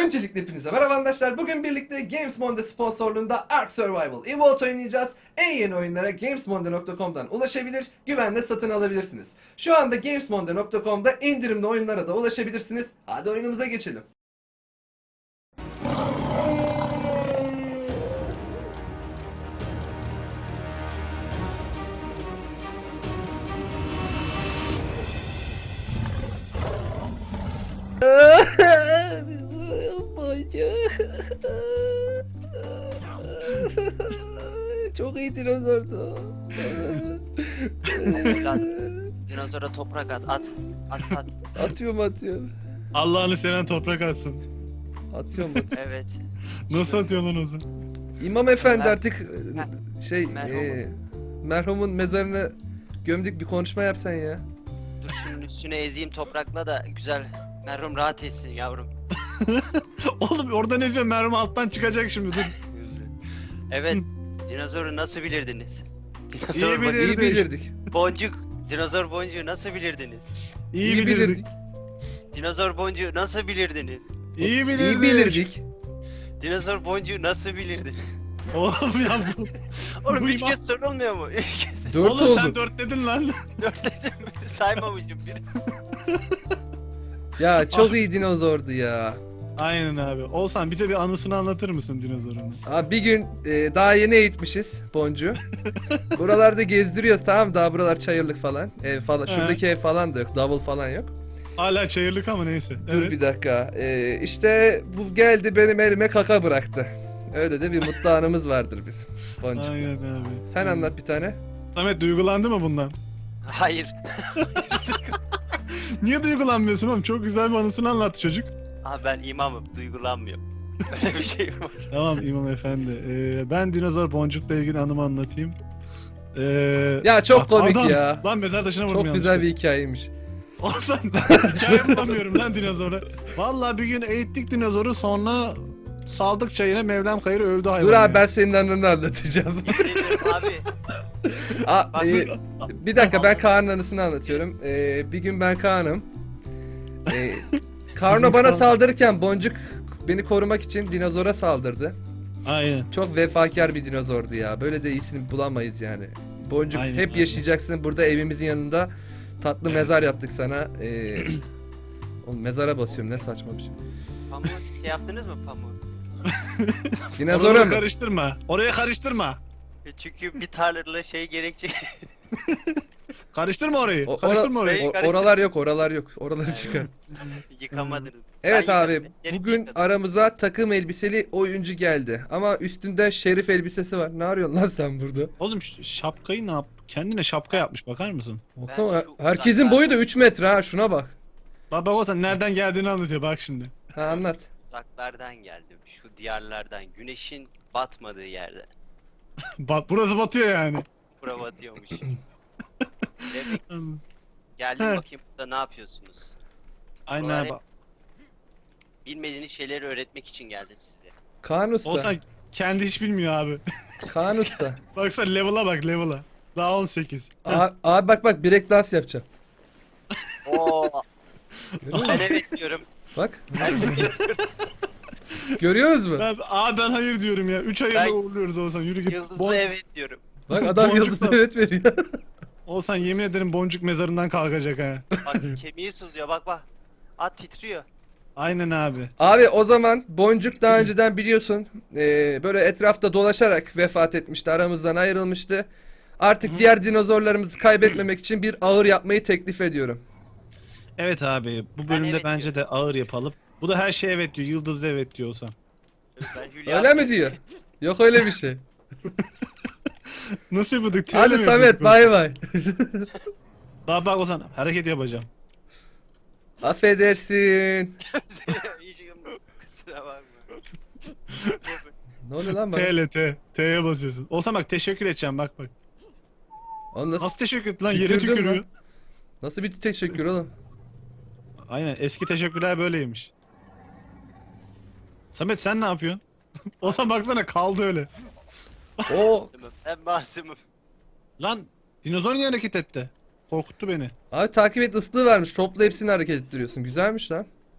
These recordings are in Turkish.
Öncelikle hepinize merhaba arkadaşlar. Bugün birlikte GamesMonde sponsorluğunda Ark Survival Evolved oynayacağız. En yeni oyunlara gamesmonde.com'dan ulaşabilir, güvenle satın alabilirsiniz. Şu anda gamesmonde.com'da indirimli oyunlara da ulaşabilirsiniz. Hadi oyunumuza geçelim. Çok iyi dinozordu. Evlat, dinozora toprak at. Atıyorum. Allah'ını seven toprak atsın. Atıyorum. Evet. Nasıl atıyorsun lan o zaman? İmam efendi Mer- artık merhumun mezarını gömdük, bir konuşma yapsan ya. Dur şunun üstüne ezeyim toprakla da güzel merhum rahat etsin yavrum. Oğlum orada ne diyorsun? Mermi alttan çıkacak şimdi, dur. Evet. Dinozoru nasıl bilirdiniz? İyi bilirdik. İyi bilirdik. Boncuk. Dinozor boncuğu nasıl bilirdiniz? İyi bilirdik. Dinozor boncuğu nasıl bilirdiniz? İyi bilirdik. İyi bilirdik. Dinozor boncuğu nasıl bilirdiniz? Oğlum ya bu. Oğlum Bu 3 imam- kez sorulmuyor mu? 3 kez. 4 Oğlum sen oldu. 4 dedin lan. 4 dedim. Saymamışım bir. Ya çok iyi dinozordu ya. Aynen abi. Olsan bize bir anısını anlatır mısın dinozorunun? Abi bir gün daha yeni eğitmişiz Boncu. Buralarda gezdiriyoruz, tamam mı? Daha buralar çayırlık falan. Ev falan. Şuradaki ev falan da yok. Davul falan yok. Hala çayırlık ama neyse. Dur Evet. bir dakika. İşte bu geldi benim elime kaka bıraktı. Öyle de bir mutlu anımız vardır bizim. Boncu. Aynen abi. Sen anlat bir tane. Samet duygulandı mı bundan? Hayır. Niye duygulanmıyorsun oğlum? Çok güzel bir anısını anlattı çocuk. Abi ben imamım. Duygulanmıyorum. Öyle bir şey var. Tamam İmam Efendi. Ben dinozor boncukla ilgili anımı anlatayım. Ya çok komik pardon. ya. Lan mezar taşına vurdum Çok güzel bir hikayeymiş. Olsan hikaye bulamıyorum lan dinozora. Vallahi bir gün eğittik dinozoru, sonra saldık çayına, Mevlam Kayır öldü hayvan. Dur abi, ya. ben senin anını anlatacağım. Abi. Aa, bir dakika, ben Kaan'ın anısını anlatıyorum. Bir gün ben Kaan'ım. Karno bana saldırırken Boncuk beni korumak için dinozora saldırdı. Aynen. Çok vefakar bir dinozordu ya. Böyle de iyisini bulamayız yani. Boncuk Aynen, hep aynen. yaşayacaksın burada evimizin yanında. Tatlı mezar yaptık sana. Oğlum mezara basıyorum, ne saçma bir şey. Pamuğu şey yaptınız mı pamuğu? Dinozora Oraya mı? karıştırma. Oraya karıştırma. Çünkü bir tarlalı şey gerekecek. Karıştırma orayı. O- Karıştırma orayı. Karıştır. Oralar yok, oralar yok. Oraları çıkar. Yıkamadınız. Evet Ben abi, yıkadım, geri bugün yıkadım. aramıza takım elbiseli oyuncu geldi. Ama üstünde şerif elbisesi var. Ne arıyorsun lan sen burada? Oğlum şapkayı ne yap? Kendine şapka yapmış, bakar mısın? Baksana, şu herkesin uzaklardan- boyu da 3 metre ha, şuna bak. Bak olsan nereden geldiğini anlatıyor bak şimdi. Ha, anlat. Uzaklardan geldim. Şu diyarlardan. Güneşin batmadığı yerde. Bak burası batıyor yani. Bura batıyormuş. Demek geldim He. bakayım burada ne yapıyorsunuz? Aynen Buralar abi. hep- Bilmediğiniz şeyleri öğretmek için geldim size. Kaan Usta. Olsan kendi hiç bilmiyor abi. Kaan Usta. Baksana level'a bak, level'a. Daha 18. Abi bak break dance yapacağım. Oo, Görüyor ben musun? evet diyorum. Bak. Ben evet diyorum. Görüyoruz mu? Ben hayır diyorum ya. 3 hayırla Ben- uğurluyoruz Olsan. Yürü git. Yıldızlı evet diyorum. Bak adam Boncuk yıldız da- evet veriyor. Olsan yemin ederim boncuk mezarından kalkacak ha. Bak kemiği sızlıyor bak. At titriyor. Aynen abi. Abi o zaman Boncuk daha önceden biliyorsun böyle etrafta dolaşarak vefat etmişti. Aramızdan ayrılmıştı. Artık diğer dinozorlarımızı kaybetmemek için bir ağır yapmayı teklif ediyorum. Evet abi. Bu bölümde evet bence de ağır yapalım. Bu da her şeye evet diyor. Yıldız da evet diyor Olsan. Ben Hülya Öyle mi diyor? Yok öyle bir şey. Nasıl yapıyorduk? Hadi Samet, bay bay. Bak Olsan hareket yapacağım. Affedersin. Hiç kusura bakma. Ne oluyor lan bana? T'ye basıyorsun. Olsan bak teşekkür edeceğim bak. Oğlum nasıl, Nasıl teşekkür et lan, yere Tükürdün tükürüyor. lan. nasıl bir teşekkür oğlum? Aynen, eski teşekkürler böyleymiş. Samet sen ne yapıyorsun? Olsan baksana kaldı öyle. O Ben masumum. Lan dinozor niye hareket etti? Korkuttu beni. abi takip et ıslığı varmış. Topla hepsini hareket ettiriyorsun. Güzelmiş lan.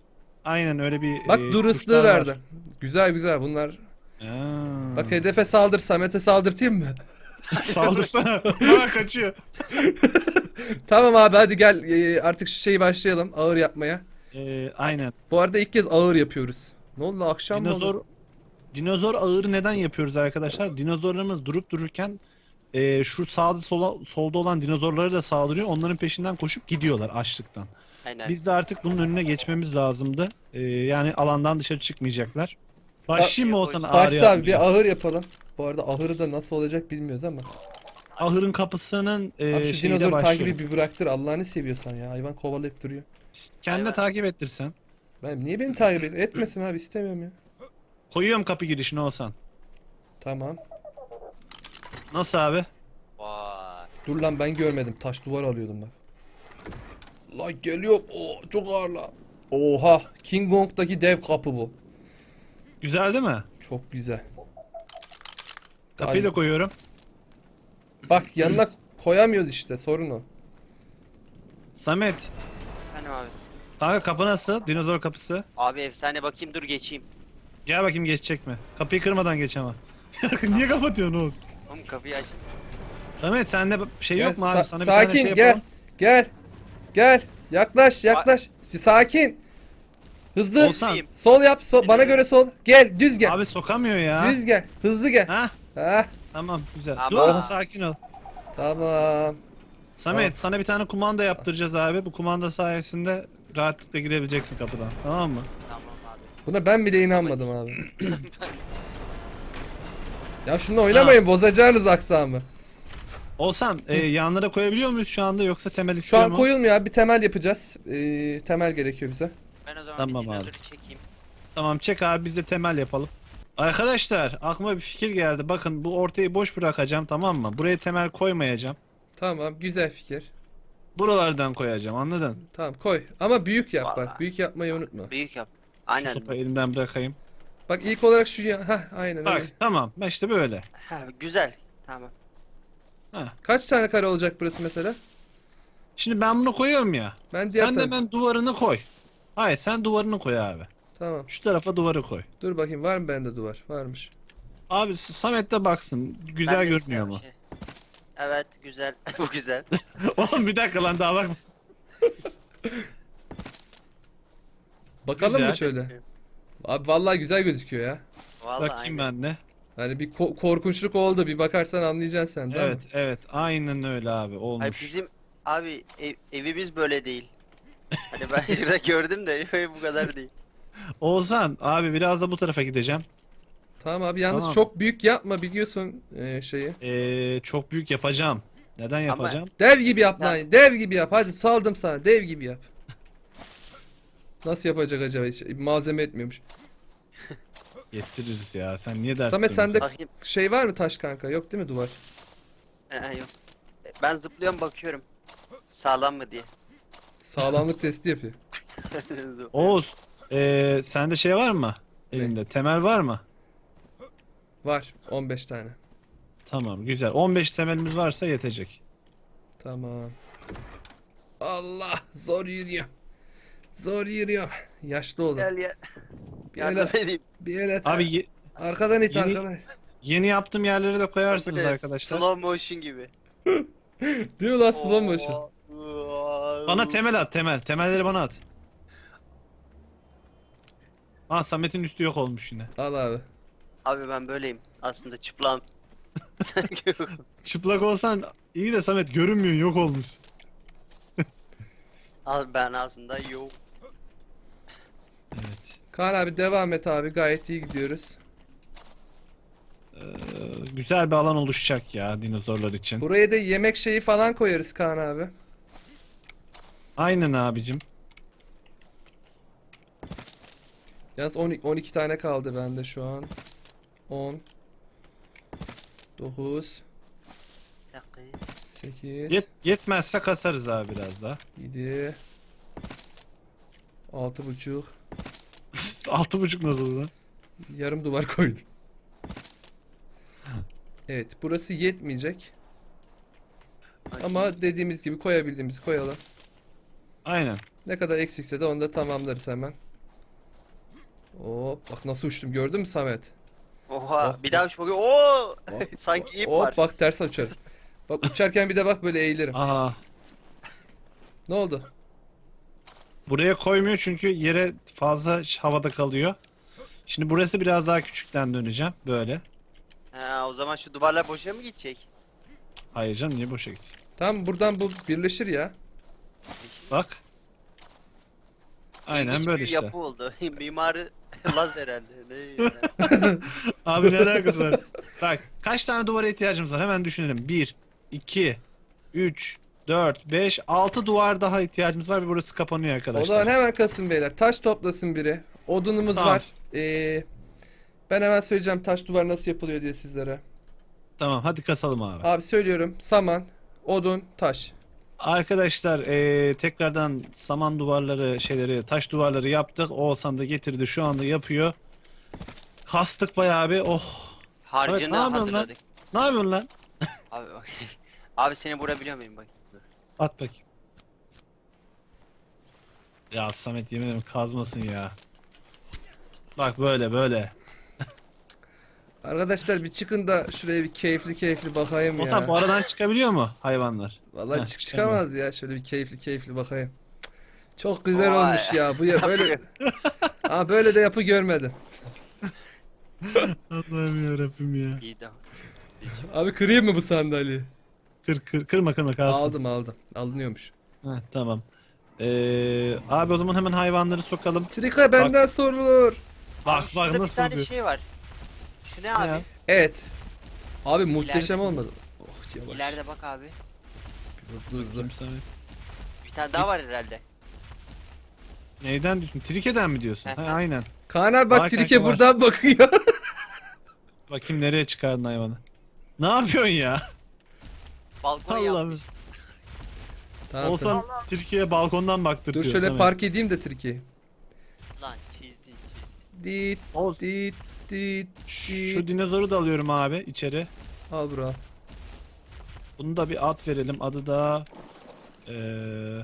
Aynen öyle bir Bak dur ıslığı tuşlar var. verdi. Güzel güzel bunlar. Aa. Bak hedefe saldır, Samet'e saldırtayım mı? Saldırsana. Bana kaçıyor. Tamam abi hadi gel artık şu şeyi başlayalım ağır yapmaya. Aynen. Bu arada ilk kez ağır yapıyoruz. Ne oldu akşam mı oldu? Dinozor ağırı neden yapıyoruz arkadaşlar? Dinozorlarımız durup dururken şu sağda solda olan dinozorlara da saldırıyor. Onların peşinden koşup gidiyorlar açlıktan. Aynen. Biz de artık bunun önüne geçmemiz lazımdı. Yani alandan dışarı çıkmayacaklar. Başlayayım mı olsan ağır Başla abi yapmaya? bir ahır yapalım. Bu arada ahırı da nasıl olacak bilmiyoruz ama. Ahırın kapısının Abi şu şeyiyle dinozor başlıyorum. takibi bir bıraktır Allah'ını seviyorsan ya. Hayvan kovalayıp duruyor. Kendine Hayvan. takip ettirsen. Ben niye beni takip etmesin abi istemiyorum ya. Koyuyorum kapı girişine olsan. Tamam. Nasıl abi? Vay. Dur lan ben görmedim. Taş duvar alıyordum bak. Lan geliyor. Oo, çok ağır lan. Oha. King Kong'daki dev kapı bu. Güzel değil mi? Çok güzel. Kapıyı da Ay, koyuyorum. bak yanına koyamıyoruz işte sorun o. Samet. Efendim abi. Kanka kapı nasıl? Dinozor kapısı. Abi efsane bakayım dur geçeyim. Gel bakayım geçecek mi? Kapıyı kırmadan geç ama. Niye kapatıyorsun Oğuz? Oğlum kapıyı aç. Samet sende şey Gel, yok mu abi? Sana bir sakin tane şey gel. yapalım. Gel. Gel. Yaklaş yaklaş. Sakin. Hızlı. Olsan. Sol yap. Bana göre sol. Gel düz gel. Abi sokamıyor ya. Düz gel. Hızlı gel. Ha? Ha. Tamam güzel. Ama- Dur sakin ol. Tamam. Samet Tamam. sana bir tane kumanda yaptıracağız abi. Bu kumanda sayesinde rahatlıkla girebileceksin kapıdan. Tamam mı? Tamam abi. Buna ben bile inanmadım abi. Ya şunu oynamayın bozacağınız aksamı. Olsan yanlara koyabiliyor muyuz şu anda yoksa temel Şu istiyor an mu? koyulmuyor abi bir temel yapacağız. Temel gerekiyor bize. Ben o zaman Tamam bir abi. dinozoru çekeyim. Tamam çek abi biz de temel yapalım. Arkadaşlar aklıma bir fikir geldi. Bakın bu ortayı boş bırakacağım tamam mı? Buraya temel koymayacağım. Tamam güzel fikir. Buralardan koyacağım anladın? Tamam koy ama büyük yap bak. Vallahi. Büyük yapmayı unutma. Büyük yap. Şu Aynen. sopayı elimden bırakayım. Bak ilk olarak şu ya. Hah aynen Bak öyle. tamam işte böyle. Ha, güzel. Tamam. Kaç tane kare olacak burası mesela? Şimdi ben bunu koyuyorum ya. Ben diğer Sen de taraf- ben duvarını koy. Hayır sen duvarını koy abi. Tamam. Şu tarafa duvarı koy. Dur bakayım var mı bende duvar? Varmış. Abi Samet de baksın. Güzel Ben de görünüyor istiyorum mu? şey. Evet güzel. Bu güzel. Oğlum bir dakika lan daha bak. Bakalım Güzel. mı şöyle? Abi vallahi güzel gözüküyor ya. Vallahi Bakayım aynen. ben de. Hani bir korkunçluk oldu. Bir bakarsan anlayacaksın sen de Evet evet aynen öyle abi Ay olmuş. bizim abi evimiz böyle değil. Hani ben şurada gördüm de bu kadar değil. Oğuzhan abi biraz da bu tarafa gideceğim. Tamam abi yalnız Tamam. çok büyük yapma biliyorsun şeyi. Çok büyük yapacağım. Neden yapacağım? Dev gibi yap Ya- lan. Dev gibi yap. Hadi saldım sana. Dev gibi yap. Nasıl yapacak acaba? Hiç malzeme etmiyormuş. Getiririz ya. Sen niye dert Samet ediyorsun? sende Bakayım. şey var mı taş kanka? Yok değil mi duvar? Yok. Ben zıplıyorum bakıyorum. Sağlam mı diye. Sağlamlık testi yapıyor. Oğuz, sende şey var mı? Elinde temel var mı? Var. 15 tane. Tamam güzel. 15 temelimiz varsa yetecek. Tamam. Allah zor yürüyor. Zor yürüyor. Yaşlı oğlum. Gel ya. Bir Yardım el, edeyim. bir el et. Abi Arkadan it Yeni- arkadan. yeni yaptığım yerleri de koyarsınız Böyle arkadaşlar. Slow motion gibi. Değil mi lan slow motion? Bana temel at temel. Temelleri bana at. Aa Samet'in üstü yok olmuş yine. Al abi. Abi ben böyleyim. Aslında çıplağım. Sen yok. Çıplak olsan iyi de Samet görünmüyor yok olmuş. Abi ben aslında yok. Evet. Kaan abi devam et abi. Gayet iyi gidiyoruz. Ee, güzel bir alan oluşacak ya dinozorlar için. Buraya da yemek şeyi falan koyarız Kaan abi. Aynen abicim. Yalnız 12 tane kaldı bende şu an. 10 9 Bir dakika. 8 Yetmezse kasarız abi biraz daha. 7 6,5 6,5 nasıl lan? yarım duvar koydum. Evet, burası yetmeyecek ama dediğimiz gibi koyabildiğimizi koyalım. Aynen. Ne kadar eksikse de onu da tamamlarız hemen. Hop bak nasıl uçtum gördün mü Samet? Oha Bak, bir daha uç bakayım. Oo! Bak, Sanki ip hop var. bak ters uçarım. Bak uçarken bir de bak böyle eğilirim. Aa, Ne oldu? buraya koymuyor çünkü yere fazla havada kalıyor. Şimdi burası biraz daha küçükten döneceğim. Böyle. Ha, o zaman şu duvarlar boşa mı gidecek? Hayır canım, niye boşa gitsin? Tamam buradan bu birleşir ya. Bak. Aynen İlginç böyle bir işte. yapı oldu. Mimarı Laz herhalde. Ne yani? Abi ne alakası var? Bak kaç tane duvara ihtiyacımız var? Hemen düşünelim. 1, 2, 3, 4, 5, 6 duvar daha ihtiyacımız var ve burası kapanıyor O arkadaşlar. zaman hemen kasın beyler. Taş toplasın biri. Odunumuz Tamam. var. Ben hemen söyleyeceğim taş duvar nasıl yapılıyor diye sizlere. Tamam, hadi kasalım abi. Abi söylüyorum. Saman, odun, taş. Arkadaşlar tekrardan saman duvarları taş duvarları yaptık. Oğuzhan da getirdi, şu anda yapıyor. Kastık bayağı bir. Oh. Harcını Evet, ne yapıyorsun lan? hazırladık. Ne yapıyorsun lan? Abi bak. Abi seni vurabiliyor muyum bak? Dur. At bakayım. Ya Samet, yemin ederim kazmasın ya. Bak böyle böyle. Arkadaşlar bir çıkın da şuraya bir keyifli bakayım Oğuzhan ya. bu aradan çıkabiliyor mu hayvanlar? Vallahi Heh, çıkamaz ya. Şöyle bir keyifli bakayım. Cık. Çok güzel Vay. olmuş ya. Bu ya böyle. Aa böyle de yapı görmedim. Allah'ım yarabbim ya. İyi de. Abi kırayım mı bu sandalyeyi? Kırma kalsın. Aldım. Alınıyormuş. Heh, tamam. Abi o zaman hemen hayvanları sokalım. Trika benden sorulur. Bak Abi şurada bir nasıl tane diyor. şey var. Şu ne Ne abi? ya? Evet. Abi muhteşem İlerisi. olmadı. Oh yavaş. İleride bak abi. Hızlı. Bakayım Samet. Bir tane daha var herhalde. Neyden diyorsun? Trike'den mi diyorsun? Ha, aynen. Kaan abi bak Var Trike kanka, var. buradan bakıyor. Bakayım nereye çıkardın hayvanı. Ne yapıyorsun ya? Balkonu Allah'ım. yapmış. Tamam, Olsam Türkiye'ye balkondan baktırtıyor. Dur şöyle Samet. park edeyim de Trike'yi. Lan çizdin. Dit Oğuz, dit dit. şu dinozoru da alıyorum abi içeri. Al bro. Bunu da bir ad verelim. Adı da eee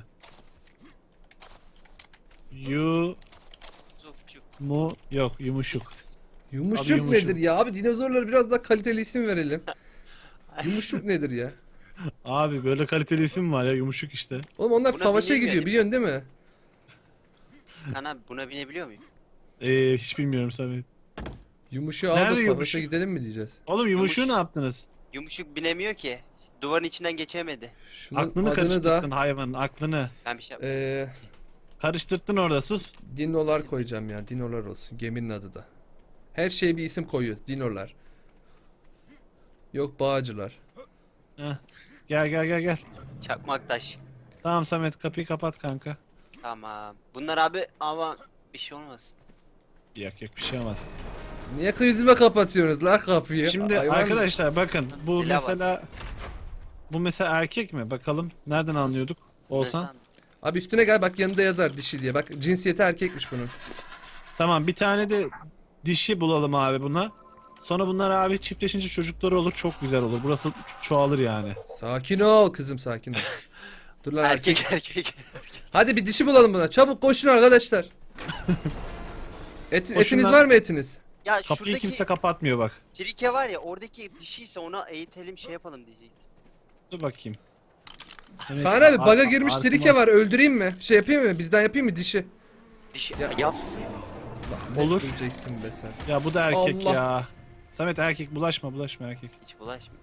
Zupçuk. yok yumuşuk. Yumuşuk, Abi yumuşuk. nedir ya? Abi dinozorlara biraz daha kaliteli isim verelim. Yumuşuk nedir ya? Abi böyle kaliteli isim var ya, yumuşuk işte. Oğlum onlar Buna savaşa binemiyor gidiyor değil mi? biliyorsun değil mi? Kan abi buna binebiliyor muyum? Hiç bilmiyorum Samet. Yumuşuğu al da Nerede savaşa yumuşuk? gidelim mi diyeceğiz? Oğlum yumuşuğu Yumuş- ne yaptınız? Yumuşuk binemiyor ki. Duvarın içinden geçemedi. Şunun Aklını adını karıştırdın da hayvanın aklını. Ben bir şey yapmadım. Karıştırdın orada, sus. Dinolar koyacağım ya. Dinolar olsun. Geminin adı da. Her şeye bir isim koyuyoruz. Dinolar. Yok bağcılar. Heh. Gel. Çakmak taş. Tamam Samet, kapıyı kapat kanka. Tamam. Bunlar abi ama bir şey olmasın. Yok bir şey olmaz. Niye yüzüme kapatıyorsunuz la kapıyı? Şimdi Hayvan- arkadaşlar bakın bu Silah var. mesela erkek mi? Bakalım nereden anlıyorduk? Olsan. Neden? Abi üstüne gel bak yanında yazar dişi diye. Bak cinsiyeti erkekmiş bunun. Tamam, bir tane de dişi bulalım abi buna. Sonra bunlar abi çiftleşince çocukları olur, çok güzel olur. Burası çoğalır yani. Sakin ol kızım sakin ol. Dur lan erkek. Erkek. Hadi bir dişi bulalım buna. Çabuk koşun arkadaşlar. Koşun etiniz lan. var mı etiniz? Ya Kapıyı şuradaki kimse kapatmıyor bak. trike var ya oradaki dişiyse ona eğitelim şey yapalım diyecektim. Dur bakayım. Evet, Kaan abi baga ar- girmiş arkama- trike var. Öldüreyim mi? Şey yapayım mı? Bizden yapayım mı dişi? Dişi Ya- yap. Olur. Öleceksin be sen. Ya bu da erkek Allah. ya. Samet erkek, bulaşma erkek. Hiç bulaşma.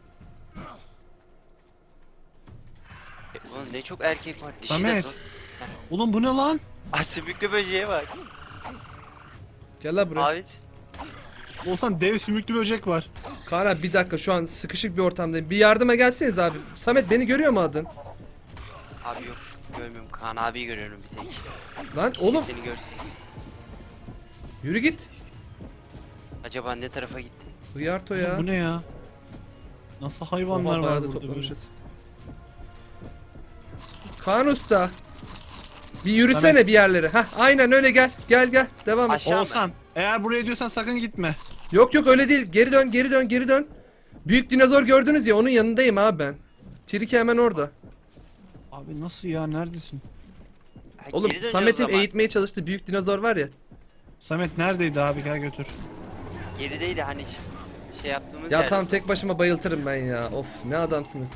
Ulan ne çok erkek var. Dişi de Samet. zor. Oğlum bu ne lan? Ah sümüklü böceğe bak. Gel la buraya. Abi Olsan dev sümüklü böcek var. Kaan abi bir dakika şu an sıkışık bir ortamdayım. Bir yardıma gelseniz abi. Samet beni görüyor mu adın? Abi yok görmüyorum. Kaan abiyi görüyorum bir tek. Lan Keşke oğlum seni görse. yürü git. Acaba ne tarafa gitti? Hıyarto Oğlum ya. bu ne ya? Nasıl hayvanlar Oha, bayağı var da burada böyle? toplamışız. Kaan Usta. Bir yürüsene Samet. bir yerlere. Hah aynen öyle gel. Gel devam et. Aşağı mı? Olsan eğer buraya diyorsan sakın gitme. Yok öyle değil. Geri dön. Büyük dinozor gördünüz ya onun yanındayım abi ben. Trike hemen orada. Abi nasıl ya, neredesin? Ha, Oğlum geri dönüyoruz Samet'in ama. eğitmeye çalıştığı büyük dinozor var ya. Samet neredeydi abi, gel götür. Gerideydi hani şey yaptığımız Ya yerde. tamam, tek başıma bayıltırım ben ya. Of, ne adamsınız.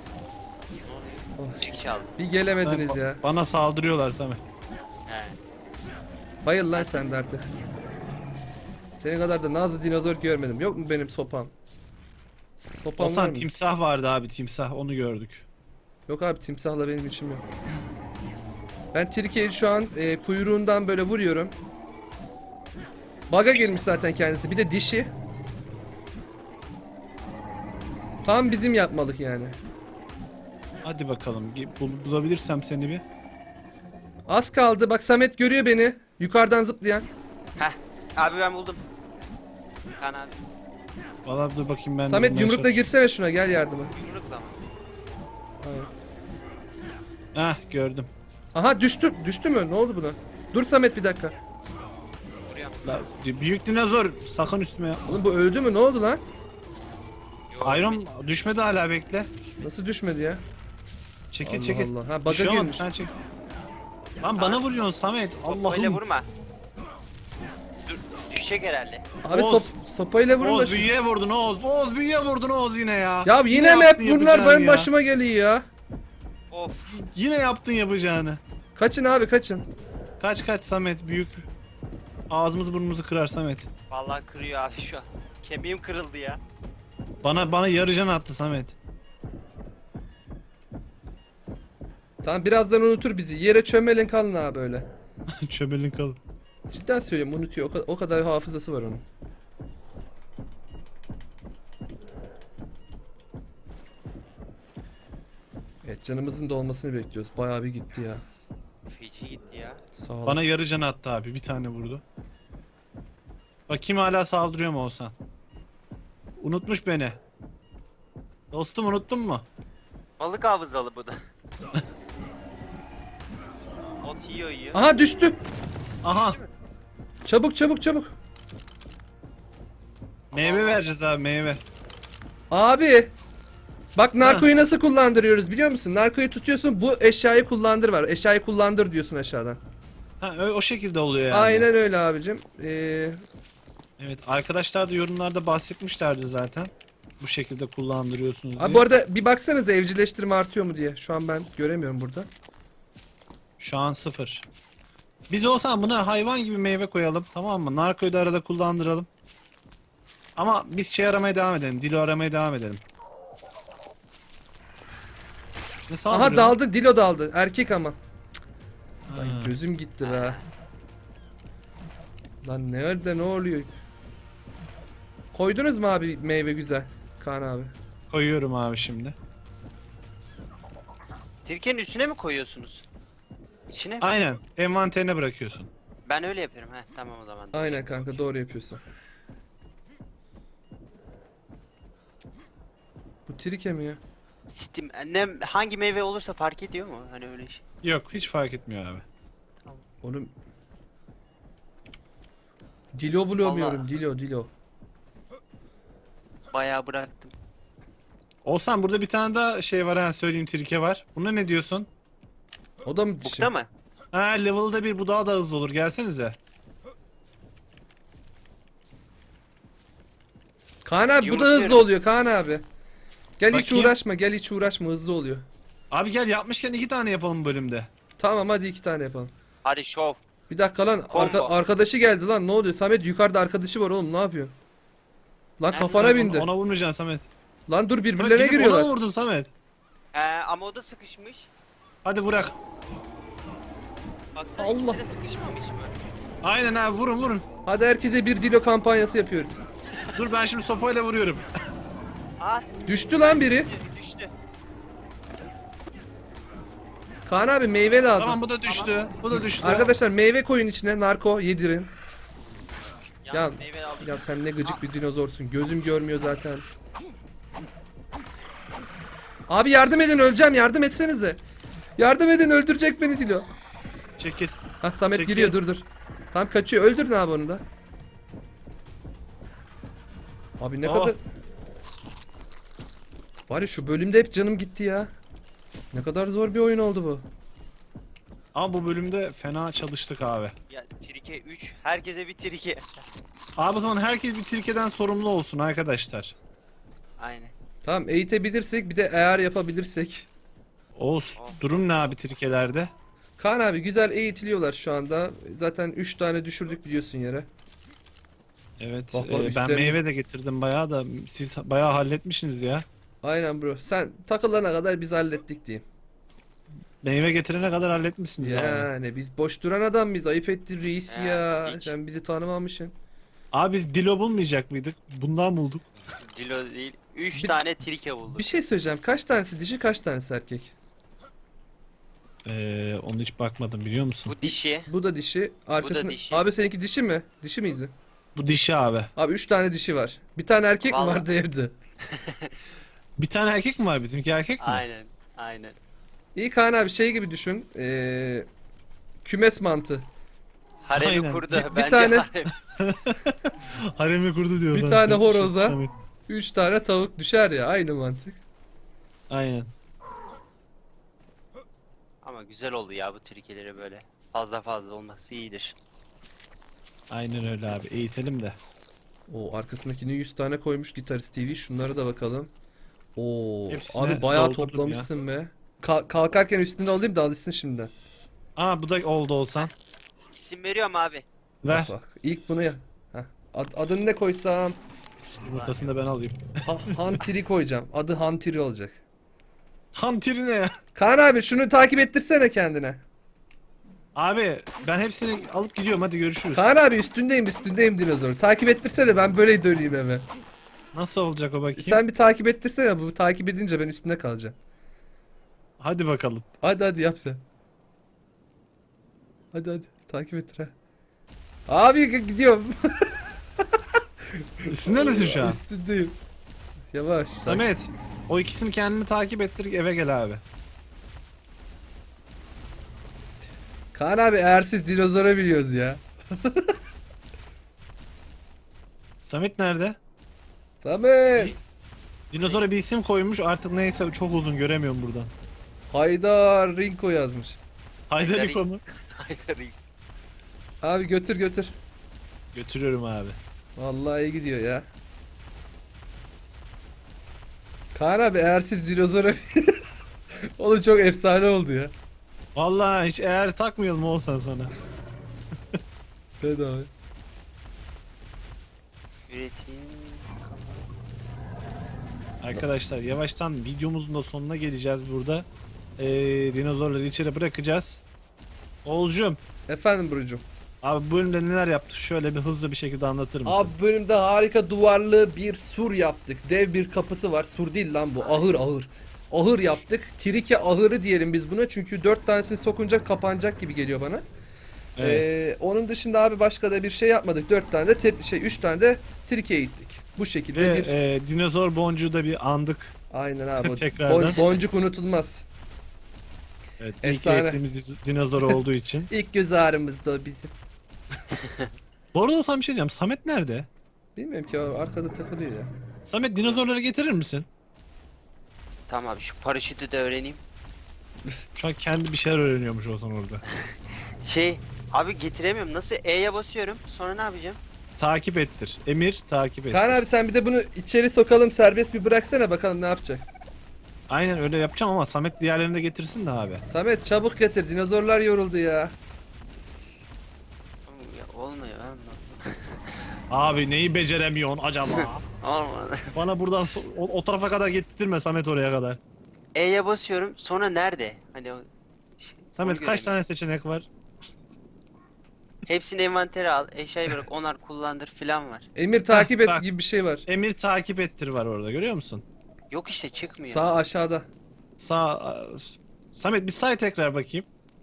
Of, Çık çaldı. bir gelemediniz ya. Bana saldırıyorlar Samet. He. Bayıl lan sen de artık. Senin kadar da nazlı dinozor görmedim. Yok mu benim sopam? Sopam var Olsan mı? timsah vardı abi, timsah, onu gördük. Yok abi, timsahla benim işim yok. Ben Tirke'yi şu an kuyruğundan böyle vuruyorum. Bug'a girmiş zaten kendisi. Bir de dişi. Tam bizim yapmalık yani. Hadi bakalım, bulabilirsem seni bir. Az kaldı. Bak, Samet görüyor beni. Yukarıdan zıplayan. Heh. Abi ben buldum. Kan abi. Valla dur bakayım ben de Samet bulmaya yumrukla çalışıyorum. girsene şuna, gel yardıma. Yumrukla mı? Hayır. Heh, gördüm. Aha, düştü. Düştü mü? Ne oldu buna? Dur Samet, bir dakika. Vuruyorum. Büyük dinozor sakın üstüme yap. Oğlum bu öldü mü? Ne oldu lan? Yok. Iron düşmedi hala, bekle. Nasıl düşmedi ya? Çekil Allah çekil. Allah. Ha, Bir bug'a şey olmadı, girmiş. sen çek. Lan bana vuruyorsun Samet. Öyle Allah'ım. vurma. Dur. Düşecek herhalde. Abi Oğuz. sopayla vurun da Oğuz şu- büyüye vurdun Oğuz. Oğuz büyüye vurdun Oğuz yine ya. Ya yine mi hep yaptın bunlar yapacağını benim ya. başıma geliyor ya? Of. Yine yaptın yapacağını. Kaçın abi, kaçın. Kaç kaç Samet, büyük. Ağzımızı burnumuzu kırar Samet. Vallahi kırıyor abi şu an. Kemiğim kırıldı ya. Bana yarı can attı Samet. Tamam, birazdan unutur bizi. Yere çömelin kalın abi böyle. Çömelin kalın. Cidden söylüyorum, unutuyor. O kadar hafızası var onun. Evet, canımızın dolmasını bekliyoruz. Bayağı bir gitti ya. Feci gitti ya. Sağ ol. Bana yarı can attı abi. Bir tane vurdu. Bakayım hala saldırıyor mu Oğuzhan? Unutmuş beni. Dostum, unuttun mu? Balık hafızalı bu da. Ot yiyor. Aha, düştü. Aha. Çabuk çabuk çabuk. Meyve vereceğiz abi, meyve. Abi. Bak, narkoyu nasıl kullandırıyoruz biliyor musun? Narkoyu tutuyorsun, bu eşyayı kullandır var. Eşyayı kullandır diyorsun aşağıdan. Ha, o şekilde oluyor yani. Aynen öyle abicim. Evet, arkadaşlar da yorumlarda bahsetmişlerdi zaten. Bu şekilde kullandırıyorsunuz diye. Abi bu arada bir baksanıza, evcilleştirme artıyor mu diye. Şu an ben göremiyorum burada. Şu an 0. Biz olsan buna hayvan gibi meyve koyalım, tamam mı? Narkoyu da arada kullandıralım. Ama biz şey aramaya devam edelim. Dilo aramaya devam edelim. Ne saldırıyor Aha, daldı, Dilo daldı. Erkek ama. lan? Lan Ha. gözüm gitti be. Lan nerede, ne oluyor? Koydunuz mu abi meyve güzel? Kaan abi. Koyuyorum abi şimdi. Tirkenin üstüne mi koyuyorsunuz? İçine mi? Aynen. Envanterine bırakıyorsun. Ben öyle yapıyorum. Heh tamam o zaman. Aynen kanka, doğru yapıyorsun. Bu trike mi ya? Steam. Ne hangi meyve olursa fark ediyor mu? Hani öyle şey. Yok, hiç fark etmiyor abi. Oğlum. Dilo bulamıyorum. Vallahi. Dilo. Bayağı bıraktım. Olsan burada bir tane daha şey var, ha söyleyeyim, trike var. Buna ne diyorsun? O da mı dişi? Bukta mı? Ha, level'da bir, bu daha da hızlı olur. Gelsenize. Kaan abi, bu da Yumrukluyorum. hızlı oluyor Kaan abi. Gel hiç Bakayım. uğraşma, gel hiç uğraşma, hızlı oluyor. Abi gel, yapmışken 2 tane yapalım bu bölümde. Tamam, hadi 2 tane yapalım. Hadi şov. Bir dakika lan, Combo. arkadaşı geldi lan, ne oluyor? Samet, yukarıda arkadaşı var oğlum, ne yapıyorsun? Lan Nerede? kafana bindi. Ona vurmayacaksın Samet. Lan dur, Samet, birbirlerine gidip giriyorlar. Ona vurdun Samet. Ama o da sıkışmış. Hadi bırak. Baksana Allah. ikisi de sıkışmamış mı? Aynen abi, vurun. Hadi herkese bir Dilo kampanyası yapıyoruz. Dur, ben şimdi sopayla vuruyorum. Aa Düştü lan biri. düştü. Kaan abi, meyve lazım. Tamam, bu da düştü. Bu da düştü. Arkadaşlar, meyve koyun içine, narko yedirin. Yalnız meyve aldım. Ya sen ne gıcık bir dinozorsun. Gözüm görmüyor zaten. Abi yardım edin, öleceğim, yardım etsenize. Yardım edin, öldürecek beni Dilo. Çekil. Hah, Samet Çekil. giriyor, dur. Tam kaçıyor, öldürün abi onu da. Abi ne Oh. kadar... Var ya, şu bölümde hep canım gitti ya. Ne kadar zor bir oyun oldu bu. Ama bu bölümde fena çalıştık abi. Ya Tirke trike 3. Herkese bir trike. Abi o zaman herkes bir trikeden sorumlu olsun arkadaşlar. Aynen. Tamam, eğitebilirsek bir de eğer yapabilirsek. Oğuz durum ne abi trikelerde? Kaan abi güzel eğitiliyorlar şu anda. Zaten 3 tane düşürdük biliyorsun yere. Evet Bak, bak, ben üstlerine- meyve de getirdim bayağı da siz bayağı halletmişsiniz ya. Aynen bro. Sen takılana kadar biz hallettik diyeyim. Meyve getirene kadar halletmişsiniz abi. Yani biz boş duran adam mıyız? Ayıp ettin reis Ya, ya. hiç. Sen bizi tanımamışsın. Abi biz dilo bulmayacak mıydık? Bundan bulduk. Dilo değil. 3 Bir- tane trike bulduk. Bir şey söyleyeceğim. Kaç tanesi dişi, kaç tanesi erkek? Onu hiç bakmadım biliyor musun? Bu dişi. Bu da dişi. Arkasında... dişi. Abi seninki dişi mi? Dişi miydi? Bu dişi abi. Abi 3 tane dişi var. Bir tane erkek mi Vallahi. vardı evde? Bir tane erkek mi var bizimki erkek mi? Aynen. Aynen. İyi Kaan abi şey gibi düşün. Kümes mantı. Haremi Aynen. kurdu. Bir Bence tane- harem. Haremi kurdu diyor Bir zaten. tane horoza. Samet. 3 tane tavuk düşer ya. Aynı mantık. Aynen. Ama güzel oldu ya bu trikeleri böyle. Fazla fazla olması iyidir. Aynen öyle abi. Eğitelim de. O arkasındakini 100 tane koymuş Gitarist TV. Şunlara da bakalım. Oo, Hepsine abi bayağı doldurdum toplamışsın be. Kalkarken üstünde alayım da alışsın şimdiden. Aa bu da oldu olsan. İsim veriyorum abi. Ver. Bak bak. İlk bunu ya. Heh. Adını ne koysam? Yumurtasını da ben alayım. Hantiri koyacağım. Adı Hantiri olacak. Hantiri ne ya? Kaan abi şunu takip ettirsene kendine. Abi ben hepsini alıp gidiyorum hadi görüşürüz. Kaan abi üstündeyim dinozor. Takip ettirsene ben böyle döneyim eve. Nasıl olacak o bakayım? Sen bir takip ettirsene, bu takip edince ben üstünde kalacağım. Hadi bakalım. Hadi yap sen. Hadi takip ettir ha. Abi gidiyorum. Üstünde misin şu an? Üstündeyim. Yavaş. Samet. O ikisini kendini takip ettir eve gel abi. Kaan abi eğersiz dinozora biliyoruz ya. Samet nerede? Samet. Dinozora bir isim koymuş artık neyse çok uzun göremiyorum buradan. Haydar Rinko yazmış. Haydariko mu? Haydar iyi. Abi götür. Götürüyorum abi. Vallahi iyi gidiyor ya. Kaan abi eğersiz dinozora Oğlum çok efsane oldu ya. Vallahi hiç eğer takmayalım olsan sana. Evet abi. Üretim. Arkadaşlar yavaştan videomuzun da sonuna geleceğiz burada. Dinozorları içeri bırakacağız. Oğuzcum Efendim Burcu'm. abi bu bölümde neler yaptık şöyle bir hızlı bir şekilde anlatır mısın? Abi bölümde harika duvarlı bir sur yaptık. Dev bir kapısı var. Sur değil lan bu. Ahır. Ahır yaptık. Trike ahırı diyelim biz buna. Çünkü 4 tanesini sokunca kapanacak gibi geliyor bana. Evet. Onun dışında abi başka da bir şey yapmadık. 4 tane de 3 tane de trike gittik. Bu şekilde Ve bir dinozor boncuğu da bir andık. aynen abi. Tekrardan. Boncuk unutulmaz. Evet, Efsane. ilk eğittiğimiz dinozor olduğu için. İlk göz ağrımızdı o bizim. Bu arada olsam bir şey diyeceğim. Samet nerede? Bilmiyorum ki o arkada takılıyor ya. Samet dinozorları getirir misin? Tamam abi şu paraşütü de öğreneyim. Şu an kendi bir şeyler öğreniyormuş olsan orada. Abi getiremiyorum. Nasıl? E'ye basıyorum. Sonra ne yapacağım? Takip ettir. Emir takip et. Kaan abi sen bir de bunu içeri sokalım, serbest bir bıraksana bakalım ne yapacak. Aynen öyle yapacağım ama Samet diğerlerini de getirsin de abi. Samet çabuk getir, dinozorlar yoruldu ya. Ya, olmuyor. Abi neyi beceremiyorsun acaba? Olmadı. Bana buradan o tarafa kadar getirtme Samet oraya kadar. E'ye basıyorum. Sonra nerede? Hani o Samet onu kaç göremiyorum. tane seçenek var? Hepsini envantere al. Eşyayı bırak. Onar kullandır filan var. Emir takip et bak. gibi bir şey var. Emir takip ettir var orada görüyor musun? Yok işte çıkmıyor. Sağ aşağıda. Samet bir say tekrar bakayım.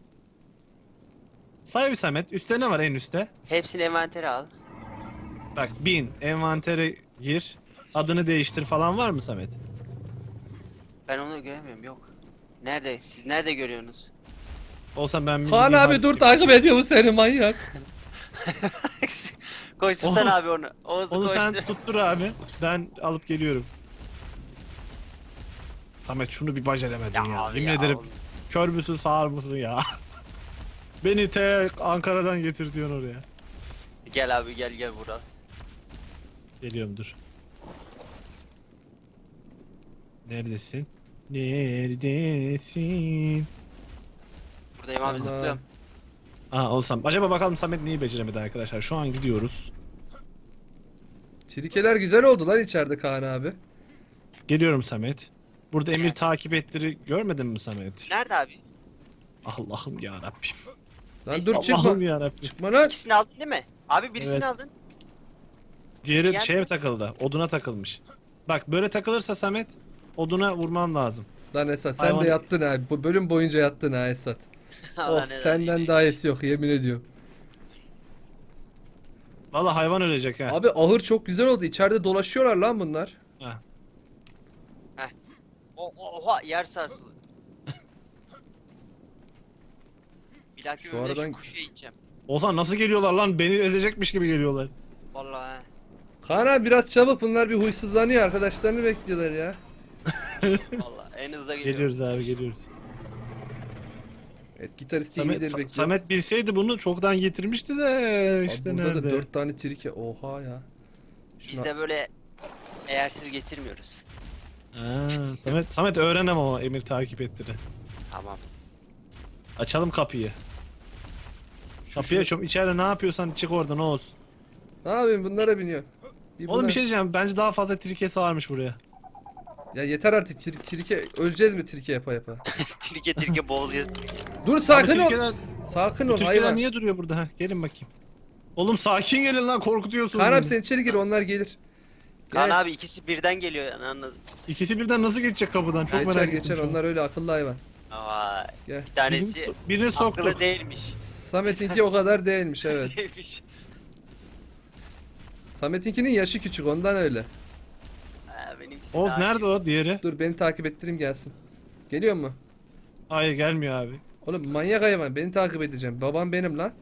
Say bir Samet. Üstte ne var en üstte? Hepsini envantere al. Bak 1000 envantere gir. Adını değiştir falan var mı Samet? Ben onu göremiyorum. Yok. Nerede? Siz nerede görüyorsunuz? Olsa ben Kaan abi dur takip ediyor mu seni manyak? Koştursan Oğuz- abi onu. Oğuz'u Onu sen koştur. tuttur abi. Ben alıp geliyorum. Samet şunu bir beceremedin ya. abi Yemin ya, ederim oğlum. kör müsün sağır mısın ya? Beni Ankara'dan getir diyorsun oraya. Gel abi gel burada. Geliyorum dur. Neredesin? Neredesin? Buradayım abi Tamam. zıplıyorum. Aa olsam. Acaba bakalım Samet neyi beceremedi arkadaşlar. Şu an gidiyoruz. Trikeler güzel oldu lan içeride Kaan abi. Geliyorum Samet. Burada Emir Gel. takip ettiri görmedin mi Samet? Nerede abi? Allah'ım ya Rabbim. Lan Neyse, dur çıkma. Allah'ım ya Rabbim. Çıkma lan. İkisini aldın değil mi? Abi birisini Evet. aldın. Diğeri Gel. şeye takıldı. Oduna takılmış. Bak böyle takılırsa Samet oduna vurman lazım. Lan Esat sen Hayvan- de yattın ha. Bu bölüm boyunca yattın ha Esat. Oh Allah ne senden lan, daha iyisi yok yemin ediyorum. Vallahi hayvan ölecek ha. Abi ahır çok güzel oldu. İçeride dolaşıyorlar lan bunlar. Ha. Oha yer sarsıldı. Bir dahaki Şu bölümde aradan- şu kuşuya gideceğim. Olsan nasıl geliyorlar lan? Beni ezecekmiş gibi geliyorlar. Vallahi. Kaan abi biraz çabuk bunlar bir huysuzlanıyor. Arkadaşlarını bekliyorlar ya. Vallahi en hızlı geliyor. Geliyoruz abi geliyoruz. Evet gitarist Samet, TV'leri bekliyoruz. Samet bilseydi bunu çoktan getirmişti de Abi işte burada nerede? da 4 tane trike. Oha ya. Biz Şuna... de böyle eğersiz getirmiyoruz. Ha, Samet öğrenem ama Emir takip ettiri. Tamam. Açalım kapıyı. Kapıyı açıyorum. İçeride ne yapıyorsan çık oradan Oğuz. Ne yapayım bunlara biniyor. Oğlum bunlar- bir şey diyeceğim. Bence daha fazla trikesi varmış buraya. Ya yeter artık trike. Öleceğiz mi trike yapa yapa? Tirke boğuluyor. Dur sakin Abi ol. Türkiye'ler, Sakin bu ol Türkiye'ler hayvan. niye duruyor burada? Ha, gelin bakayım. Oğlum sakin gelin lan korkutuyorsunuz. Kaan beni. abi sen içeri gir onlar gelir. Kaan Gel. abi ikisi birden geliyor yani anladım. İkisi birden nasıl geçecek kapıdan? Çok Geçer merak ettim. geçer şu an. onlar öyle akıllı hayvan. Vay. Gel. Bir tanesi Birini soktuk. akıllı değilmiş. Samet'inki o kadar değilmiş evet. Değilmiş. Samet'inkinin yaşı küçük ondan öyle. Ha, benimkisi Oğuz daha nerede iyi. o diğeri? Dur beni takip ettireyim gelsin. Geliyor mu? Hayır gelmiyor abi. Oğlum manyak hayvan beni takip edeceğim. Babam benim lan.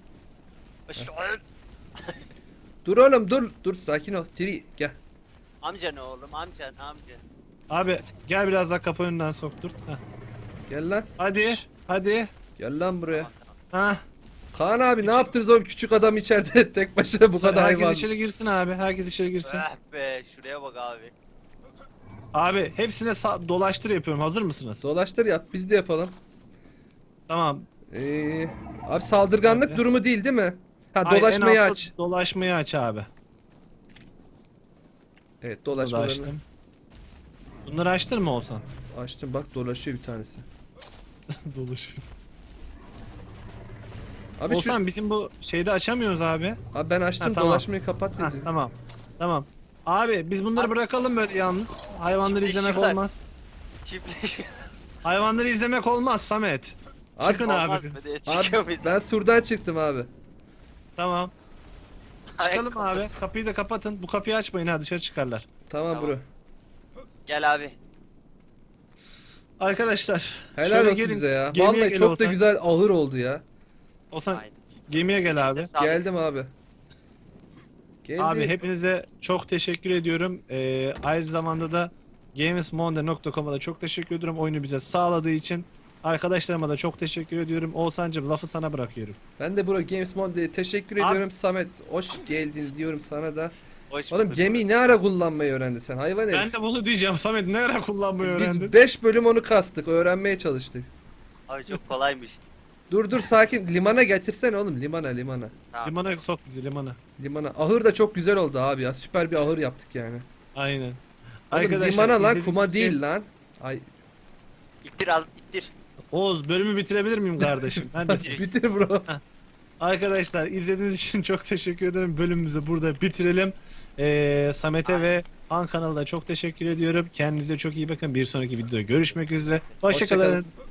Dur oğlum dur. Dur sakin ol. Tri gel. Amca ne oğlum amca. Abi gel biraz daha kapı önünden sokturt. Heh. Gel lan. Hadi. Şşş, Hadi. gel lan buraya. Tamam, Ha. Kaan abi ne yaptınız oğlum küçük adam içeride tek başına bu kadar Herkes hayvan. içeri girsin abi. Herkes içeri girsin. tamam. Be şuraya bak abi. Abi hepsine dolaştır yapıyorum. Hazır mısınız? Dolaştır yap biz de yapalım. Tamam. Abi saldırganlık Hadi. durumu değil değil mi? Ha Hayır, en dolaşmayı altta aç. Dolaşmayı aç abi. Evet Bunu da dolaşmalarını açtım. Bunları açtın mı olsan? açtım bak dolaşıyor bir tanesi. Dolaşıyor. Abi Olsan bizim bu şeyde açamıyoruz abi. abi ben açtım Ha, tamam. dolaşmayı kapat Ha, yazıyor. tamam. Tamam. Abi biz bunları bırakalım böyle yalnız. Hayvanları izlemek Çiftleşiyorlar. olmaz. Çiftleşiyor. Hayvanları izlemek olmaz Samet. Abi, Çıkın Olmaz abi. mı diye çıkıyor Abi muyuz? ben surdan çıktım abi. Tamam. Çıkalım Ayak abi. kafası. Kapıyı da kapatın. Bu kapıyı açmayın ha dışarı çıkarlar. Tamam, Tamam. bro. Gel abi. Arkadaşlar. Helal şöyle olsun gelin, bize ya. gemiye Vallahi gel çok da Oğuzhan. güzel ahır oldu ya. Olsan Aynen. gemiye gel abi. Elinize sağlık. Geldim abi. Geldim. Abi hepinize çok teşekkür ediyorum. Aynı zamanda da gamesmonde.com'a da çok teşekkür ediyorum oyunu bize sağladığı için. Arkadaşlarıma da çok teşekkür ediyorum. Oğuzhan'cım lafı sana bırakıyorum. Ben de bro Games Monde'ye teşekkür Abi- ediyorum. Samet hoş geldin diyorum sana da. Hoş Oğlum bulduk. gemiyi ne ara kullanmayı öğrendin sen hayvan Ben herif. de bunu diyeceğim Samet ne ara kullanmayı öğrendin? Biz 5 bölüm onu kastık öğrenmeye çalıştık. Abi çok kolaymış. Dur sakin limana getirsene oğlum limana. Tamam. Limana sok bizi limana. Limana. Ahır da çok güzel oldu abi ya. Süper bir ahır yaptık yani. Aynen. Oğlum limana lan izlediğiniz kuma için- değil lan. Ay İttir al ittir. Oğuz bölümü bitirebilir miyim kardeşim? Neredesin? bitir bro. Arkadaşlar izlediğiniz için çok teşekkür ederim. Bölümümüzü burada bitirelim. Samet'e ve Han kanalına çok teşekkür ediyorum. Kendinize çok iyi bakın. Bir sonraki videoda görüşmek üzere. Hoşça kalın. Hoşçakalın.